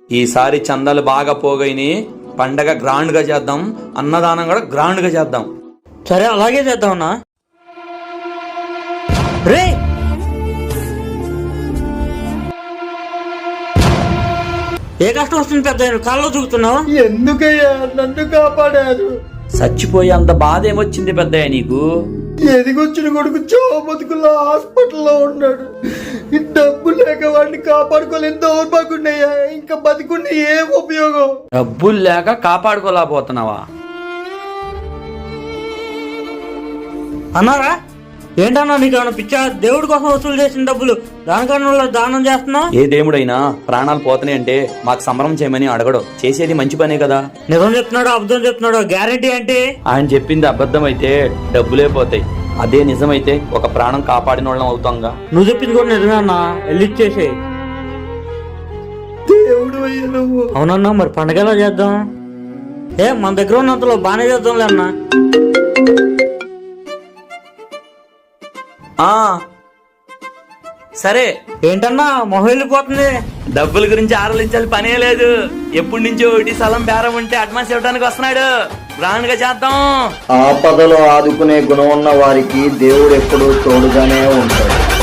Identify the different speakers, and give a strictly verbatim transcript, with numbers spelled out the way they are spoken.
Speaker 1: ఈసారి చందాలు బాగా పోగైని పండగ గ్రాండ్ గా చేద్దాం, అన్నదానం కూడా గ్రాండ్ గా చేద్దాం.
Speaker 2: సరే అలాగే చేద్దామన్నా. రే ఏ కష్టం వస్తుంది పెద్ద కాల్లో చూపుతున్నావు?
Speaker 3: ఎందుకయ్యా నన్ను కాపాడారు?
Speaker 1: చచ్చిపోయి అంత బాధ ఏమొచ్చింది పెద్దయ్య నీకు?
Speaker 3: ఎదిగొచ్చిన కొడుకు చో బతుకుల్లో హాస్పిటల్లో ఉన్నాడు. డబ్బు లేక వాడిని కాపాడుకోలేని దౌర్భాగ్యున్నయ్యా. ఇంకా బతికుండి ఏం ఉపయోగం?
Speaker 1: డబ్బులు లేక కాపాడుకోలేకపోతున్నావా?
Speaker 2: అన్నారా ఏంటన్నా నీకు ఏమైనా పిచ్చా? దేవుడి కోసం వసూలు చేసిన డబ్బులు దానికన్నా దానం చేస్తున్నావు?
Speaker 1: ఏ దేవుడైనా ప్రాణాలు పోతున్నాయి అంటే మాకు సంబరం చేయమని అడగడం, చేసేది మంచి పనే కదా.
Speaker 2: నిజం చెప్తున్నాడు అబద్ధం చెప్తున్నాడు గ్యారెంటీ అంటే?
Speaker 1: ఆయన చెప్పింది అబద్ధం అయితే డబ్బులే పోతాయి, అదే నిజమైతే ఒక ప్రాణం కాపాడిన వాళ్ళం అవుతాంగా.
Speaker 2: నువ్వు చెప్పింది కూడా నిజమే అన్నా, వెళ్ళిచ్చేసే.
Speaker 3: దేవుడు అయ్యా నువ్వు.
Speaker 2: అవునన్నా మరి పండగ ఎలా చేద్దాం? ఏ మన దగ్గర ఉన్నంతలో బాగానే చేద్దాంలే అన్నా.
Speaker 1: ఆ సరే.
Speaker 2: ఏంటన్నా మొహం వెళ్ళిపోతుంది?
Speaker 1: డబ్బుల గురించి ఆలోచించాలి పనే లేదు. ఎప్పటి నుంచో ఒకటి స్థలం బేరం ఉంటే అడ్వాన్స్ ఇవ్వడానికి వస్తున్నాడు. గ్రాండ్ గా చేద్దాం.
Speaker 3: ఆపదలో ఆదుకునే గుణం ఉన్న వారికి దేవుడు ఎప్పుడూ తోడుగానే ఉంటాడు.